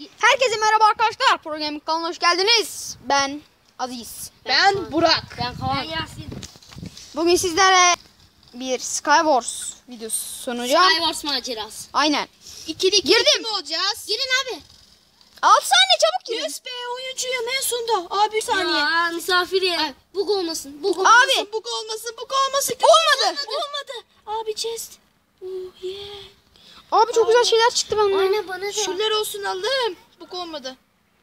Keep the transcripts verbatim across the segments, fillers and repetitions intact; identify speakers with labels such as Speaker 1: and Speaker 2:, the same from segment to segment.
Speaker 1: Herkese merhaba arkadaşlar. Program kanalına hoş geldiniz. Ben Aziz.
Speaker 2: Ben, ben Burak.
Speaker 3: Ben Kaan. Ben Yasin.
Speaker 1: Bugün sizlere bir Skywars videosu sunacağım.
Speaker 3: Skywars macerası.
Speaker 1: Aynen.
Speaker 2: İkili ikili
Speaker 1: Girdim.
Speaker 2: olacağız?
Speaker 3: Girin abi.
Speaker 1: altı saniye çabuk girin.
Speaker 2: Yes be oyuncuyum en sonunda. Abi bir saniye.
Speaker 3: Ya misafir ya. Bug olmasın. Bug olmasın.
Speaker 1: Abi.
Speaker 2: Bug olmasın, bug olmasın.
Speaker 1: Olmadı.
Speaker 2: Olmadı. Abi chest. Oh yeah.
Speaker 1: Abi çok güzel şeyler çıktı benden.
Speaker 3: Aynen bana da.
Speaker 2: Şunlar olsun Allah'ım. Bug olmadı.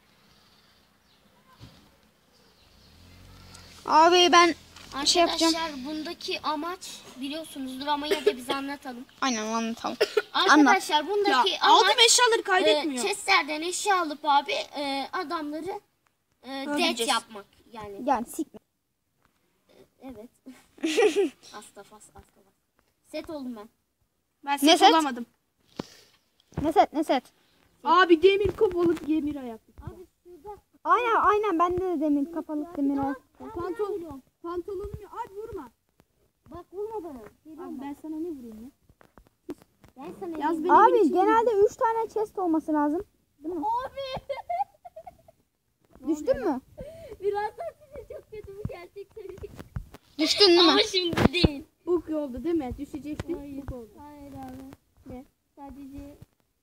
Speaker 1: Abi ben
Speaker 3: Arkadaşlar
Speaker 1: şey yapacağım.
Speaker 3: bundaki amaç biliyorsunuzdur ama ya da bize anlatalım.
Speaker 1: Aynen anlatalım.
Speaker 3: Arkadaşlar bundaki
Speaker 2: Ya,
Speaker 3: amaç
Speaker 2: aldım eşyaları
Speaker 3: e,
Speaker 2: kaydetmiyor.
Speaker 3: chestlerden eşya alıp abi e, adamları e, death
Speaker 2: Öldüreceğiz.
Speaker 3: yapmak yani.
Speaker 1: Yani sikme.
Speaker 3: Evet. Astafas astafas. Set oldum ben.
Speaker 2: Ben
Speaker 1: Ne
Speaker 2: set
Speaker 1: set?
Speaker 2: olamadım.
Speaker 1: Ne set ne set.
Speaker 2: Abi demir kop olup demir ayak.
Speaker 3: Abi şurada.
Speaker 1: Aynen aynen bende de demir kapalı demir ayak.
Speaker 2: Pantolon. Pantolonum yok. Abi vurma.
Speaker 3: Bak vurma bana.
Speaker 2: Abi ben sana ne vurayım ya?
Speaker 3: Ben sana
Speaker 2: Yaz
Speaker 3: diyeyim.
Speaker 2: beni.
Speaker 1: Abi genelde üç tane chest olması lazım. Değil mi?
Speaker 3: Abi.
Speaker 1: Düştün mü?
Speaker 3: Birazdan size çok kötü bir gerçek söyleyeyim.
Speaker 1: Düştün değil mi?
Speaker 3: Ama şimdi değil.
Speaker 2: Bug oldu değil mi? Düşecektin.
Speaker 3: Hayır.
Speaker 2: Bug oldu.
Speaker 3: Hayır abi. Ne? Sadece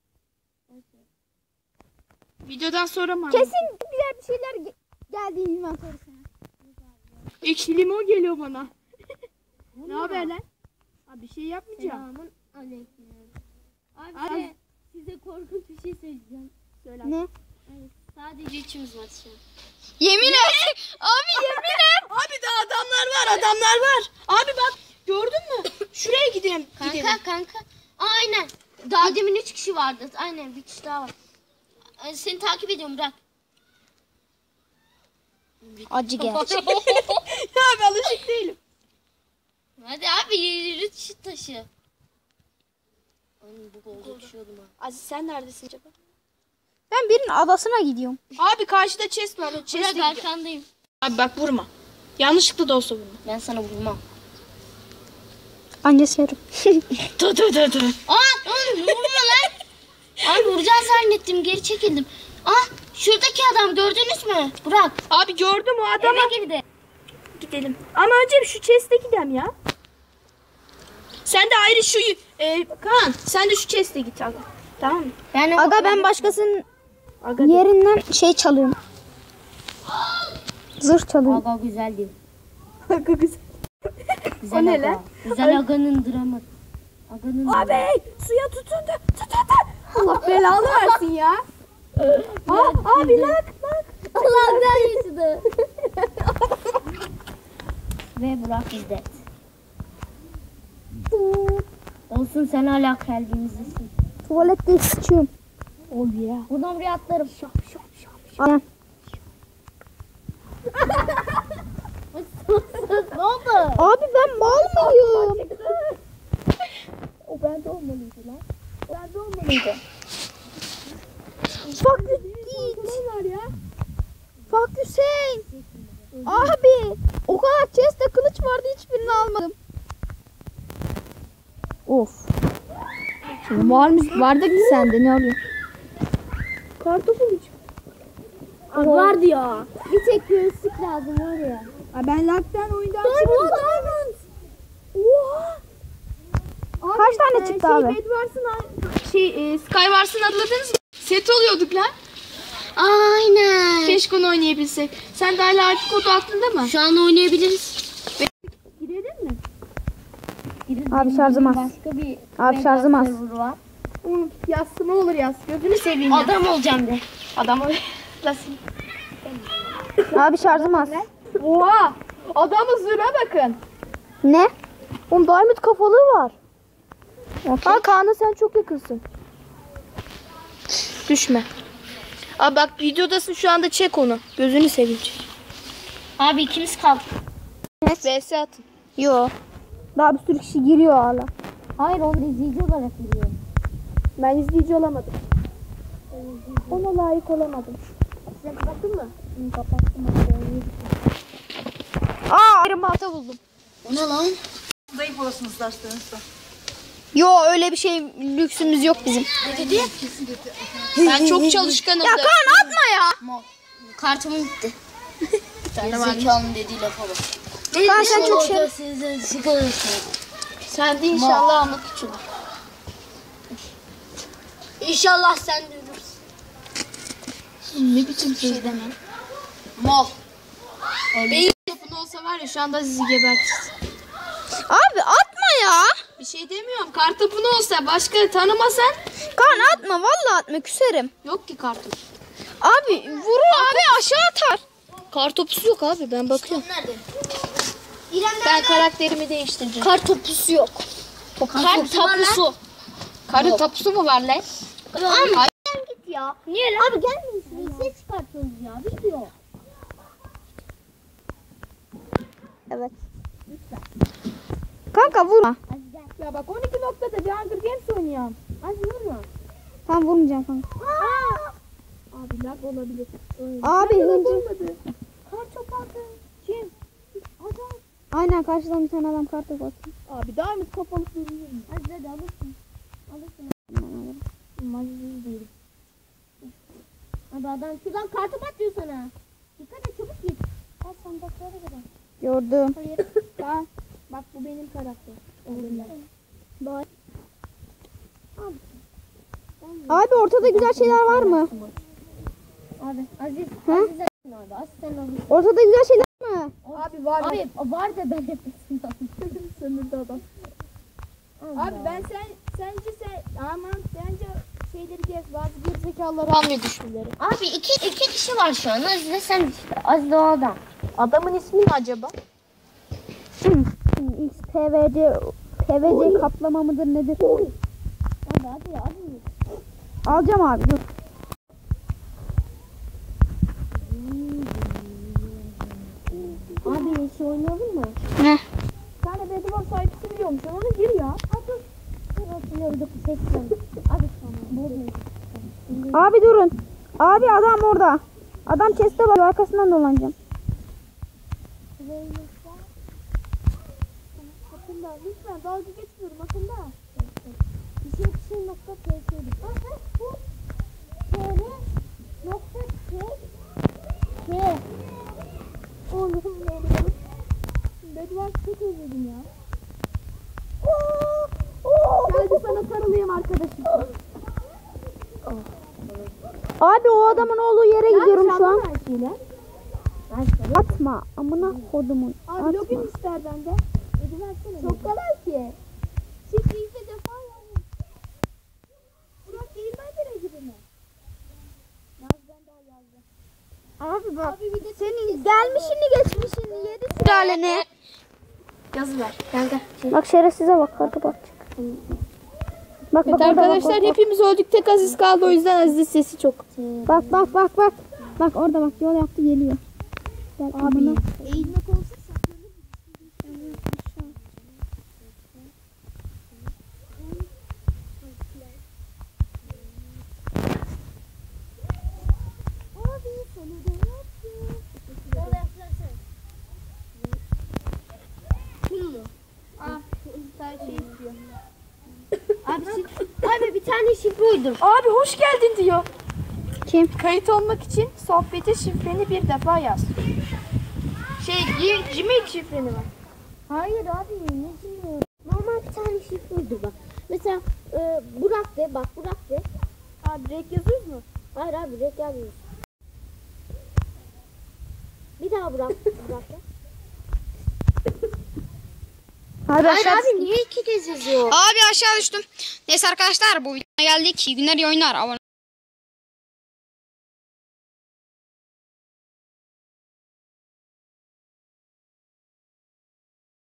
Speaker 2: Videodan sonra mı?
Speaker 1: Kesin güzel bir şeyler ge- geldi inventörüne.
Speaker 2: Ekşi limon geliyor bana. Ne haber lan? Abi bir şey yapmayacağım.
Speaker 3: Selamun aleyküm. Abi,
Speaker 2: Abi.
Speaker 3: size, size korkunç bir şey söyleyeceğim.
Speaker 2: Söyle.
Speaker 1: Ne?
Speaker 3: Evet, sadece üçümüz var şu an.
Speaker 1: Yemin et. Abi yemin et.
Speaker 2: Abi daha adamlar var, adamlar var. Abi bak gördün mü? Şuraya gidelim.
Speaker 3: Kanka
Speaker 2: gidelim.
Speaker 3: kanka. Aynen. Daha demin üç kişi vardı. Aynen bir kişi daha var. Ee, Seni takip ediyorum bırak.
Speaker 1: Acı gel.
Speaker 2: Ya abi alışık değilim.
Speaker 3: Hadi abi yürü şu taşı. Ay bu oldu düşüyordum ha.
Speaker 2: Aziz sen neredesin acaba?
Speaker 1: Ben birinin adasına gidiyorum.
Speaker 2: Abi karşıda chest var. Chest'e
Speaker 3: Bırak
Speaker 2: gidiyor.
Speaker 3: arkandayım.
Speaker 2: Abi bak vurma. Yanlışlıkla da olsa vurma.
Speaker 3: Ben sana vurmam.
Speaker 1: Annesi yarım.
Speaker 2: Tı tı tı tı.
Speaker 3: Aa oğlum vurma lan. Abi vuracağız zannettim geri çekildim. Ah şuradaki adam gördünüz mü? Bırak.
Speaker 2: Abi gördüm o adamı.
Speaker 3: Eve girdi.
Speaker 2: Gidelim. Ama önce şu chest'e gidelim ya. Sen de ayrı şu e, Kaan sen de şu chest'e git abi. Tamam mı?
Speaker 3: Ben o-
Speaker 1: Aga ben başkasının
Speaker 2: Aga
Speaker 1: yerinden şey çalıyorum. Zırh çalıyorum.
Speaker 3: Aga güzel değil.
Speaker 2: Aga güzel.
Speaker 3: Güzel
Speaker 2: O ne
Speaker 3: aga.
Speaker 2: lan?
Speaker 3: Güzel aganın dramı. Aganın
Speaker 2: Abi suya tutundu. Tut tut tut. Allah belanı versin ya. Aa, abi lak lak.
Speaker 3: Allah güzel Ve Burak bizde. Olsun sen hala kalbimizdesin.
Speaker 1: Tuvalette sıçıyorum.
Speaker 2: Oh yeah.
Speaker 3: Buradan buraya atlarım. Şap şap şap.
Speaker 1: Aynen.
Speaker 3: Ne oldu?
Speaker 1: Abi ben mal mıyım?
Speaker 2: O bende olmalıydı lan. O bende olmalıydı.
Speaker 1: Fuck you git.
Speaker 2: Ne var ya?
Speaker 1: Fuck you sen. Abi o kadar chest'te kılıç vardı hiçbirini almadım. Of. Varmış vardı ki sende ne oluyor?
Speaker 2: Kartopu mu çıktı?
Speaker 1: Abi vardı ya. Bir tek göğüslük lazım var ya.
Speaker 2: Aa, ben laktan oyundan
Speaker 1: Diamond,
Speaker 2: diamond. Oha.
Speaker 1: Kaç tane
Speaker 2: e,
Speaker 1: çıktı
Speaker 2: şey,
Speaker 1: abi?
Speaker 2: Bedwars'ın şey e, Skywars'ın hatırladınız mı? Set oluyorduk lan.
Speaker 3: Aynen.
Speaker 2: Keşke onu oynayabilsek. Sen de hala artık kodu aklında mı?
Speaker 3: Şu an oynayabiliriz.
Speaker 2: Girelim mi?
Speaker 1: Abi şarjım az.
Speaker 3: Başka bir
Speaker 1: Abi şarjım az.
Speaker 3: server var.
Speaker 2: Oğlum yassı ne olur yas. Gözünü seveyim ya.
Speaker 3: Adam olacağım de.
Speaker 2: Adam nasıl?
Speaker 1: Abi şarjım az.
Speaker 2: Oha. Adamın zırha bakın.
Speaker 1: Ne? Oğlum diamond kafalığı var.
Speaker 2: Ha Kaan'a sen çok yakınsın. Düşme. Abi bak videodasın şu anda çek onu. Gözünü seveyim çek.
Speaker 3: Abi ikimiz kaldık.
Speaker 2: V S atın.
Speaker 1: Yo. Daha bir sürü kişi giriyor hala.
Speaker 3: Hayır onu izleyici olarak biliyorum.
Speaker 2: Ben izleyici olamadım. Ona layık olamadım.
Speaker 3: Sen kapattın mı?
Speaker 2: Hı, kapattım.
Speaker 1: Aa ayrım balta buldum.
Speaker 3: O ne lan?
Speaker 4: Zayıf olasınız dersleriniz de.
Speaker 1: Yo öyle bir şey lüksümüz yok bizim.
Speaker 3: Ne dedi?
Speaker 2: Ben çok çalışkanım.
Speaker 1: Ya
Speaker 2: da.
Speaker 1: Kaan atma ya.
Speaker 3: Kartımın gitti. Zekanın dediği lafa bak.
Speaker 1: Kaan sen çok şey.
Speaker 2: Sen de inşallah ama küçük.
Speaker 3: İnşallah sen de ölürsün.
Speaker 2: Ne biçim şey demem.
Speaker 3: Mal.
Speaker 2: Beyin yapın olsa var ya şu anda sizi gebertiriz.
Speaker 1: Abi atma ya.
Speaker 2: Bir şey demiyorum. Kartopunu olsa başka tanımasan
Speaker 1: Kaan atma vallahi atma küserim.
Speaker 2: yok ki kartop.
Speaker 1: Abi vurur abi aşağı atar.
Speaker 2: Kartopusu yok abi ben bakıyorum.
Speaker 3: Nerede? İrem
Speaker 2: Ben karakterimi değiştireceğim.
Speaker 3: Kar topusu yok.
Speaker 2: Kar tapusu. Karı tapusu mu var lan?
Speaker 3: Ama git ya. Niye lan? Abi gelmeyin şuraya ses çıkartıyoruz ya. Bir şey yok.
Speaker 1: Evet. Kanka vurma.
Speaker 3: Hadi gel.
Speaker 2: Ya bak on iki noktada bir Hunger Games oynuyorum.
Speaker 3: Hadi vurma.
Speaker 1: Tamam vurmayacağım kanka.
Speaker 2: Abi lag olabilir.
Speaker 1: Abi hıncı.
Speaker 3: Kar topu aldı.
Speaker 2: Kim?
Speaker 3: Adam.
Speaker 1: Aynen karşıdan bir tane adam kartı atıyor.
Speaker 2: Abi daim kapalı duruyor.
Speaker 3: Hadi hadi alırsın. Alırsın.
Speaker 2: Maziz değil.
Speaker 3: Abi adam şuradan kartı atıyor sana. Dikkat et çabuk git. Al sandıklara kadar.
Speaker 1: Gördüm.
Speaker 3: Hayır.
Speaker 2: Bak, bak bu benim karakter.
Speaker 3: Bak.
Speaker 1: Abi ortada güzel şeyler var mı?
Speaker 3: Abi Aziz.
Speaker 1: Hı?
Speaker 3: Aziz Aziz abi. Aziz sen alırsın.
Speaker 1: Ortada güzel şeyler var mı?
Speaker 2: Abi var mı?
Speaker 3: Abi var da ben hepsini
Speaker 2: Sınırda adam. Abi ben sen sence sen aman bence şeyleri gez bazı gerizekalıları almıyor düşmeleri.
Speaker 3: Abi iki iki kişi var şu an. Aziz de sen işte. Aziz de o adam.
Speaker 2: Adamın ismi ne acaba?
Speaker 1: X P V C P V C kaplama mıdır nedir?
Speaker 3: Abi hadi ya hadi.
Speaker 1: Alacağım abi dur.
Speaker 3: Abi şey oynayalım mı?
Speaker 1: Ne?
Speaker 2: Bir tane Bedvar sahipsi biliyormuş. Ona gir ya.
Speaker 3: Hadi. Ben hatırlıyorum. Seçtim. Abi tamam. Buldum.
Speaker 1: Abi durun. Abi adam orada. Adam chest'e bakıyor arkasından dolanacağım.
Speaker 2: Akında lütfen dalga geçmiyorum akında.
Speaker 3: Bir şey bir şey nokta ps'ydi. Aha bu. Şöyle nokta p. P.
Speaker 2: Oğlum ne oluyor? Bedvar çok özledim ya. Geldi sana sarılayım arkadaşım.
Speaker 1: Abi o adamın olduğu yere gidiyorum şu an.
Speaker 2: Her şeyler.
Speaker 1: Atma. Amına kodumun.
Speaker 2: Abi
Speaker 1: Atma.
Speaker 2: login ister bende.
Speaker 3: Ödü versene.
Speaker 2: Çok kolay ki. Şifreyi ise defa yani. Burak değirmen nereye gibi mi? Naz'dan daha yazdı.
Speaker 1: Abi bak.
Speaker 2: Abi bir de
Speaker 1: Senin gelmişini geçmişini yedi sülaleni.
Speaker 2: yazı ver. Gel gel.
Speaker 1: Bak şerefsize bak kartı bak. Bak
Speaker 2: Evet
Speaker 1: bak orada,
Speaker 2: arkadaşlar
Speaker 1: bak, bak,
Speaker 2: hepimiz öldük. Tek Aziz kaldı o yüzden Aziz'in sesi çok.
Speaker 1: bak bak bak bak. Bak orada bak yol yaptı geliyor. Gel amına.
Speaker 2: Eğilmek olsa saklanır.
Speaker 3: Abi sana da yaptım. Orada yapsana. Kim bu?
Speaker 2: Ah sen şey istiyor.
Speaker 3: Abi, şif- abi bir tane şifre uydum.
Speaker 2: Abi hoş geldin diyor.
Speaker 1: Kim?
Speaker 2: Kayıt olmak için sohbete şifreni bir defa yaz. Şey G- Gmail şifreni var.
Speaker 3: Hayır abi ne diyor? Normal bir tane şifre uydum bak. Mesela e, Burak de bak Burak de.
Speaker 2: Abi renk yazıyoruz mu?
Speaker 3: Hayır abi direkt yazmıyorsun. Bir daha Burak. Burak de.
Speaker 1: Hadi
Speaker 3: Hayır
Speaker 1: aşağı.
Speaker 3: abi niye iki kez yazıyor?
Speaker 1: Abi aşağı düştüm. Neyse arkadaşlar bu videoya geldik. İyi günler iyi oyunlar. Abone